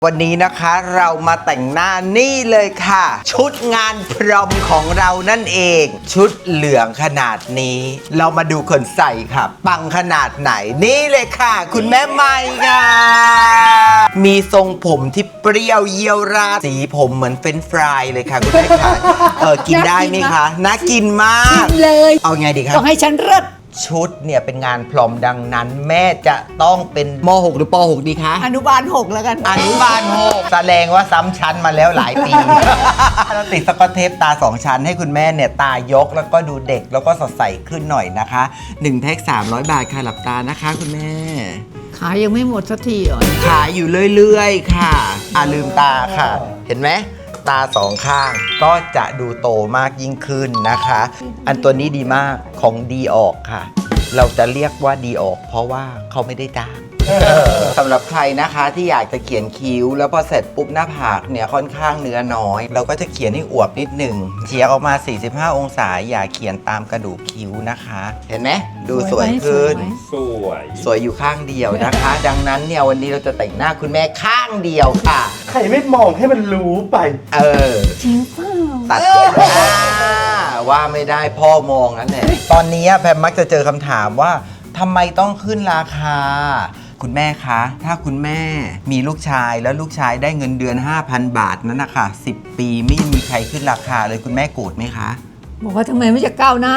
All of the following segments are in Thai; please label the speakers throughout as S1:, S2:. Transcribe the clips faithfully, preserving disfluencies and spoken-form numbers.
S1: วันนี้นะคะเรามาแต่งหน้านี่เลยค่ะ ชุดงานพรอมของเรานั่นเอง ชุดเหลืองขนาดนี้ เรามาดูคนใส่ค่ะ ปังขนาดไหนนี่เลยค่ะ คุณแม่ไม้ค่ะมีทรงผมที่เปรี้ยวเยียวราดสีผมเหมือนเฟรนช์ฟรายเลยค่ะคุณแม่ค่ะเออกินได้ไหมคะน่ากินมาก
S2: เลย
S1: เอาไงดีคะ
S2: ต้องให้ฉันเลิศ
S1: ชุดเนี่ยเป็นงานพรอมดังนั้น แม่จะต้องเป็นม หก หรือป หก ดีคะ
S2: อนุบาลหกแล้วกัน
S1: อนุบาลหกแสดงว่าซ้ำชั้นมาแล้วหลายปี เราติดสกอตเทปตาสองชั้นให้คุณแม่เนี่ยตายกแล้วก็ดูเด็กแล้วก็สดใสขึ้นหน่อยนะคะหนึ่งแพ็คสามร้อยบาทค่ะหลับตานะคะคุณแม่
S2: ขายยังไม่หมดสักทีอ่ะ
S1: ขายอยู่เรื่อยๆค่ะอ่ะลืมตาค่ะ เห็นไหมตาสองข้างก็จะดูโตมากยิ่งขึ้นนะคะ อันตัวนี้ดีมากของดีออกค่ะ เราจะเรียกว่าดีออกเพราะว่าเขาไม่ได้จ้าง สำหรับใครนะคะที่อยากจะเขียนคิ้ว แล้วพอเสร็จปุ๊บหน้าผากเนี่ยค่อนข้างเนื้อน้อย เราก็จะเขียนให้อวบนิดหนึ่งเฉียงออกมา สี่สิบห้า องศาอย่าเขียนตามกระดูกคิ้วนะคะ เห็นไหมดูสวยขึ้น
S3: สวย
S1: สวยอยู่ข้างเดียวนะคะ ดังนั้นเนี่ยวันนี้เราจะแต่งหน้าคุณแม่ข้างเดียวค่ะ
S3: ใครไม่มองให้มันรู้ไป
S1: เออ
S2: จริงเปล่า
S1: ตัดอ่าว่าไม่ได้พ่อมองนั่นแหละตอนนี้แพมมักจะเจอคำถามว่าทำไมต้องขึ้นราคา คุณแม่คะ ถ้าคุณแม่มีลูกชายแล้วลูกชายได้เงินเดือน ห้าพัน บาทนั้นนะคะสิบปีไม่มีใครขึ้นราคาเลยคุณแม่โกรธไหมคะ
S2: บอกว่าทำไมไม่จะก้าวหน้า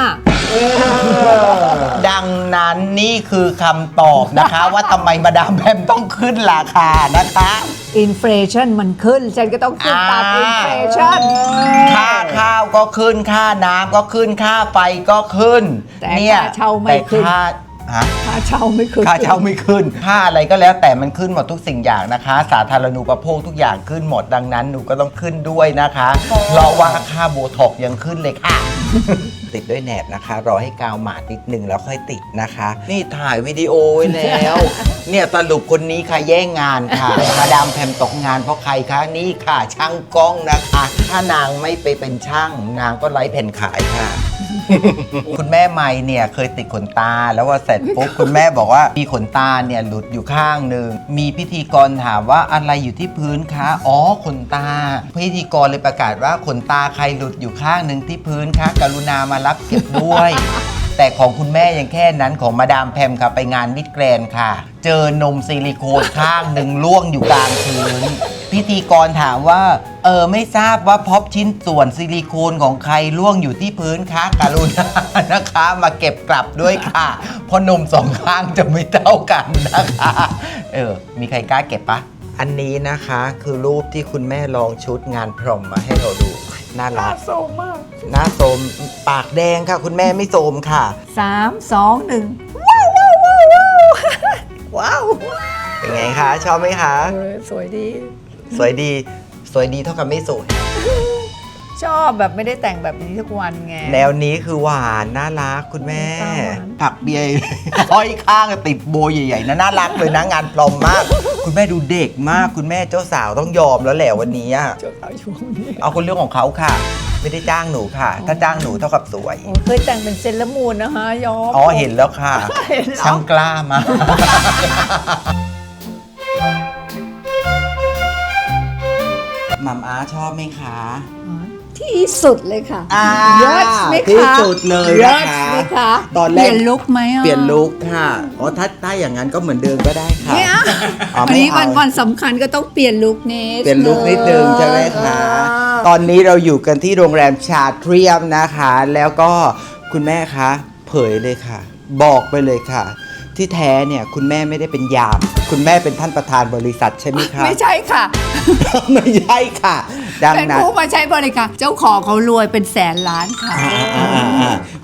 S1: ดังนั้นนี่คือคำตอบนะคะ ว่าทำไมมาดามแพมต้องขึ้นราคานะคะ
S2: อินฟลชันมันขึ้น ฉันก็ต้องขึ้นตามอินฟลชัน
S1: ค่าข้าวก็ขึ้นค่าน้ำก็ขึ้นค่าไฟก็ขึ้น
S2: แต่ค่าเช่าไม่ขึ้น
S1: แต่ค่าฮะ
S2: ค่าเช่าไม่ขึ้น
S1: ค่าเช่าไม่ขึ้น ค่าอะไรก็แล้วแต่มันขึ้นหมดทุกสิ่งอย่างนะคะ สาธารณูปโภคทุกอย่างขึ้นหมดดังนั้นหนูก็ต้องขึ้นด้วยนะคะเพราะว่าค่าโบท็อกซ์ยังขึ้นเลยค่ะ ติดด้วยแหนบนะคะ รอให้กาวหมาดนิดนึงแล้วค่อยติดนะคะ นี่ถ่ายวิดีโอไว้แล้ว เนี่ยสรุปคนนี้ค่ะแย่งงานค่ะ มาดามแพมตกงานเพราะใครคะนี่ค่ะช่างกล้องนะคะ ถ้านางไม่ไปเป็นช่าง นางก็ไร้แผ่นขายค่ะ คุณแม่ไมค์เนี่ยเคยติดขนตาแล้วว่าเสร็จปุ๊บ คุณแม่บอกว่ามีขนตาเนี่ยหลุดอยู่ข้างหนึ่งมีพิธีกรถามว่าอะไรอยู่ที่พื้นคะอ๋อขนตา พิธีกรเลยประกาศว่าขนตาใครหลุดอยู่ข้างหนึ่งที่พื้นคะกรุณามารับเก็บด้วย แต่ของคุณแม่ยังแค่นั้นของมาดามแพมค่ะไปงานมิดแกรนด์ค่ะ เจอนมซิลิโคนข้างหนึ่งล่วงอยู่กลางพื้น พิธีกรถามว่าเออไม่ทราบว่าพบชิ้นส่วนซิลิโคนของใครล่วงอยู่ที่พื้นคะกรุณานะคะมาเก็บกลับด้วยค่ะเพราะนมสองข้างจะไม่เท่ากันนะคะเออมีใครกล้าเก็บปะอันนี้นะคะคือรูปที่คุณแม่ลองชุดงานพรอมมาให้เราดูน่ารัก
S2: โซมมาก
S1: หน้าโสมปากแดงค่ะ คุณแม่ไม่โสมค่ะ
S2: สามสองหนึ่งว้าวว้าวว้าวว้าว
S1: เป็นไงคะ ชอบไหมคะ
S2: เออสวยดี
S1: สวยดี สวยดีเท่ากับไม่สวย
S2: ชอบแบบไม่ได้แต่งแบบนี้ทุกวันไง
S1: แนวนี้คือหวานน่ารักคุณแม่
S2: ตาหวาน
S1: ผักเบียร์ ห้อยข้างติดโบใหญ่ๆนะน่ารักเลยนะงานพรอมมาก คุณแม่ดูเด็กมากคุณแม่เจ้าสาวต้องยอมแล้วแหละวันนี้อะ
S2: เจ้าสาวช่วงนี้
S1: เอาคนเรื่องของเขาค่ะ ไม่ได้จ้างหนูค่ะ ถ้าจ้างหนูเท่ากับสวย
S2: โอ้เคยแต่งเป็นเซเลอรามูนนะคะยอม
S1: อ๋อเห็นแล้วค่ะ
S2: เห็นแล้ว
S1: ช่างกล้ามาก มัมอาชอบไหมคะ
S2: ที่สุดเลยค่ะ
S1: อ่า
S2: เยอะไหมคะ
S1: ที่สุดเลยนะคะ
S2: เยอะไหมคะ
S1: ตอนแรก
S2: เปลี่ยนลุคไหมอ่ะ
S1: เปลี่ยนลุคค่ะอ๋อถ้าถ้าอย่างนั้นก็เหมือนเดิมก็ได้ค่ะ
S2: เนี่ย
S1: อ๋อ
S2: วัน
S1: ไม่
S2: นี้
S1: เอา
S2: วันวันสำคัญก็ต้องเปลี่ยนลุคนิด
S1: เปลี่ยนลุคนิดนึงใช่ไหมคะ ตอนนี้เราอยู่กันที่โรงแรมชาเทรียมนะคะ แล้วก็คุณแม่คะเผยเลยค่ะ บอกไปเลยค่ะ ที่แท้เนี่ยคุณแม่ไม่ได้เป็นยาม คุณแม่เป็นท่านประธานบริษัทใช่ไหมคะ
S2: ไม่ใช่ค่ะ
S1: ไม่ใช่ค่ะ ดัง
S2: เป็น
S1: นั้น
S2: ผู้มาใช้บริการเจ้าของเขารวยเป็นแสนล้านค่ะ
S1: อ่าอ่าอ่า